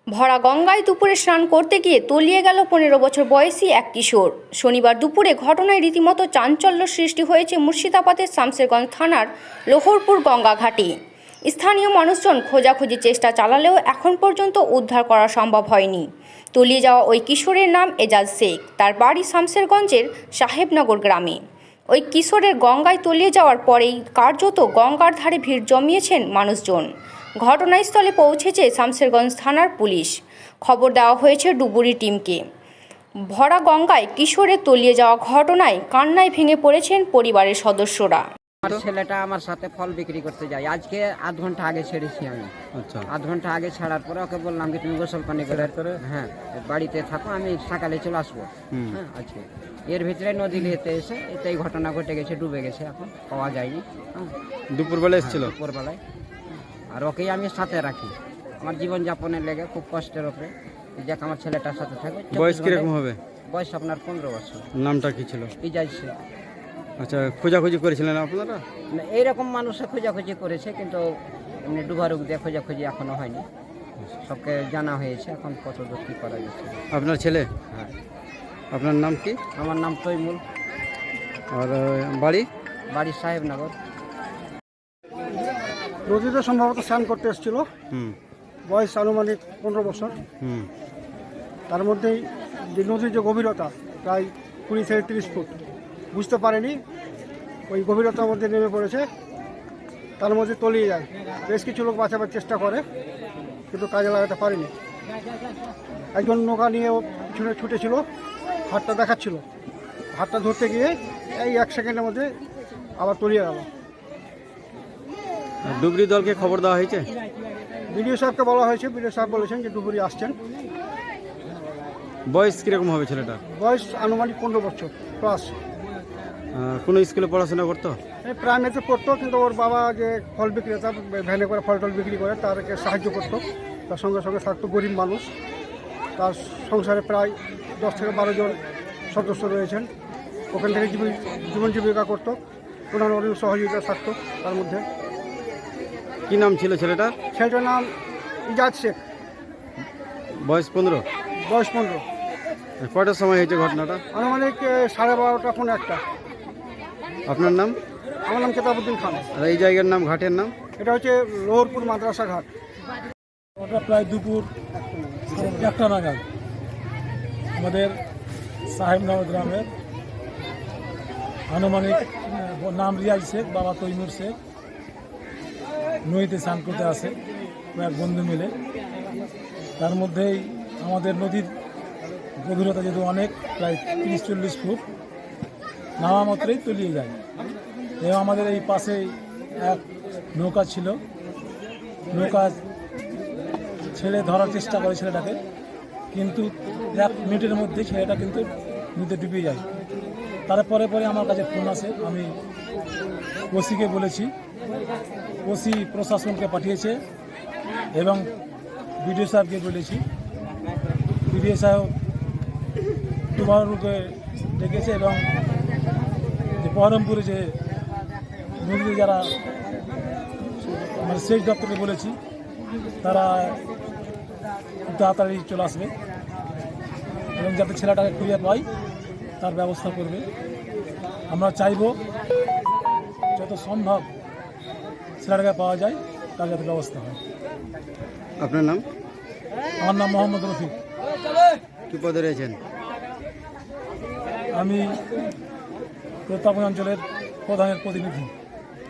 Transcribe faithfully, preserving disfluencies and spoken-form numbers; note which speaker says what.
Speaker 1: ভরা গঙ্গায় দুপুরে স্নান করতে গিয়ে তলিয়ে গেল পনেরো বছর বয়সী এক কিশোর। শনিবার দুপুরে ঘটনায় রীতিমতো চাঞ্চল্য সৃষ্টি হয়েছে মুর্শিদাবাদের শামসেরগঞ্জ থানার লোহরপুর গঙ্গা ঘাটে। স্থানীয় মানুষজন খোঁজাখুঁজি চেষ্টা চালালেও এখন পর্যন্ত উদ্ধার করা সম্ভব হয়নি। তলিয়ে যাওয়া ওই কিশোরের নাম এজাজ শেখ। তার বাড়ি শামসেরগঞ্জের সাহেবনগর গ্রামে। ওই কিশোরের গঙ্গায় তলিয়ে যাওয়ার পরেই কার্যত গঙ্গার ধারে ভিড় জমিয়েছেন মানুষজন। ঘটনাস্থলে পৌঁছেছে শামসেরগঞ্জ থানার পুলিশ। খবর দেওয়া হয়েছে ডুবুরি টিমকে। ভরা গঙ্গায় কিশোরের তলিয়ে যাওয়া ঘটনায় কান্নায় ভেঙে পড়েছেন পরিবারের সদস্যরা।
Speaker 2: আমার ছেলেটা আমার সাথে ফল বিক্রি করতে যায়। আজকে আধ ঘন্টা আগে ছেড়েছি আমি। আচ্ছা, আধ ঘন্টা আগে ছাড়ার পরে ওকে বললাম কি তুমি গোসল পানি করে হ্যাঁ বাড়িতে থাকো, আমি সকালে চলে আসবো। হ্যাঁ, আজকে এর ভিতরে নদী ঘেতে এসে এটাই ঘটনা ঘটে গেছে, ডুবে গেছে, এখন পাওয়া যায়নি।
Speaker 3: দুপুরবেলা এসেছিল?
Speaker 2: দুপুরবেলায়। আর ওকেই আমি সাথে রাখি, আমার জীবনযাপনের লেগে খুব কষ্টের ওপরে যাক আমার ছেলেটার সাথে থাকবে।
Speaker 3: বয়স কিরকম হবে?
Speaker 2: বয়স আপনার পনেরো বছর।
Speaker 3: নামটা কি ছিল?
Speaker 2: ইজাজ শেখ।
Speaker 3: আচ্ছা, খোঁজাখুঁজি করেছিলেন আপনারা?
Speaker 2: এইরকম মানুষে খোঁজাখুঁজি করেছে, কিন্তু এমনি ডুবারুক দিয়ে খোঁজাখুঁজি এখনো হয়নি। সবকে জানা হয়েছে, এখন কত দূর কী করা যাচ্ছে।
Speaker 3: আপনার ছেলে?
Speaker 2: হ্যাঁ।
Speaker 3: আপনার নাম কি?
Speaker 2: আমার নাম তৈমুল।
Speaker 3: আর বাড়ি?
Speaker 2: বাড়ি সাহেবনগর।
Speaker 4: নদীতে সম্ভবত স্নান করতে এসেছিল।
Speaker 3: হুম।
Speaker 4: বয়স আনুমানিক পনেরো বছর।
Speaker 3: হুম।
Speaker 4: তার মধ্যেই যে নদীর যে গভীরতা প্রায় কুড়ি থেকে তিরিশ ফুট, বুঝতে পারেনি ওই গভীরতার মধ্যে নেমে পড়েছে, তার মধ্যে তলিয়ে যায়। বেশ কিছু লোক বাঁচাবার চেষ্টা করে, কিন্তু কাজে লাগাতে পারেনি। একজন নৌকা নিয়ে পিছনে ছুটেছিল, হাতটা দেখাচ্ছিল, হাতটা ধরতে গিয়ে এই এক সেকেন্ডের মধ্যে আবার তলিয়ে গেল।
Speaker 3: ডুবরি দলকে খবর দেওয়া হয়েছে?
Speaker 4: বিডিও সাহেবকে বলা হয়েছে, বিডিও সাহেব বলেছেন যে ডুবুরি আসছেন।
Speaker 3: বয়স কীরকম হবে ছেলেটা?
Speaker 4: বয়স আনুমানিক পনেরো বছর প্লাস।
Speaker 3: কোনো স্কুলে পড়াশোনা করতো?
Speaker 4: প্রাইমারিতে পড়তো, কিন্তু ওর বাবা যে ফল বিক্রেতা, ভ্যানে করে ফল টল বিক্রি করে, তারকে সাহায্য করতো। তার সঙ্গে সঙ্গে থাকতো গরিব মানুষ। তার সংসারে প্রায় দশ থেকে বারো জন সদস্য রয়েছেন। ওখান থেকে জীবন জীবন জীবিকা করতো, ওনার অনেক সহযোগিতা থাকতো তার মধ্যে।
Speaker 3: কি নাম ছিল ছেলেটার?
Speaker 4: ছেলেটার নাম ইজাজ শেখ।
Speaker 3: বয়স পনেরো?
Speaker 4: বয়স পনেরো।
Speaker 3: কয়টার সময় হয়েছে ঘটনাটা?
Speaker 4: আনুমানিক সাড়ে বারোটা কোনো একটা।
Speaker 3: আপনার নাম?
Speaker 4: আমার নাম কেতাবুদ্দিন খান।
Speaker 3: আর এই জায়গার নাম, ঘাটের নাম?
Speaker 4: এটা হচ্ছে লোহরপুর মাদ্রাসা ঘাট।
Speaker 5: ওটা প্রায় দুপুর একটা নাগাদ আমাদের সাহেবনগর গ্রামের আনুমানিক নাম রিয়াজ শেখ, বাবা তৈমুর শেখ, নদীতে স্নান করতে আসে কয়েক বন্ধু মিলে। তার মধ্যেই আমাদের নদীর গভীরতা যেহেতু অনেক, প্রায় তিরিশ চল্লিশ ফুট, নামা মাত্রই তলিয়ে যায়। এবং আমাদের এই পাশেই এক নৌকা ছিল, নৌকা ছেলে ধরার চেষ্টা করে ছেলেটাকে, কিন্তু এক মিনিটের মধ্যে ছেলেটা কিন্তু নদীতে ডুবে যায়। তারপরে পরে আমার কাছে ফোন আসে, আমি ওসিকে বলেছি, ওসি প্রশাসনকে পাঠিয়েছে এবং বিডিও সাহেবকে বলেছি। বিডিও সাহেব টুমারুকে ডেকেছে এবং যে বহরমপুরে যে নদীতে যারা মানে সেচ দপ্তরকে বলেছি, তারা খুব তাড়াতাড়ি চলে আসবে এবং যাতে ছেলেটাকে খুঁজে পাই তার ব্যবস্থা করবে। আমরা চাইব যত সম্ভব ছেলেটাকে পাওয়া যায় তার যাতে ব্যবস্থা হয়।
Speaker 3: আপনার নাম?
Speaker 5: আমার নাম মোহাম্মদ রফিক।
Speaker 3: কী পদে রয়েছেন?
Speaker 5: আমি প্রতাপগঞ্জ অঞ্চলের প্রধানের প্রতিনিধি।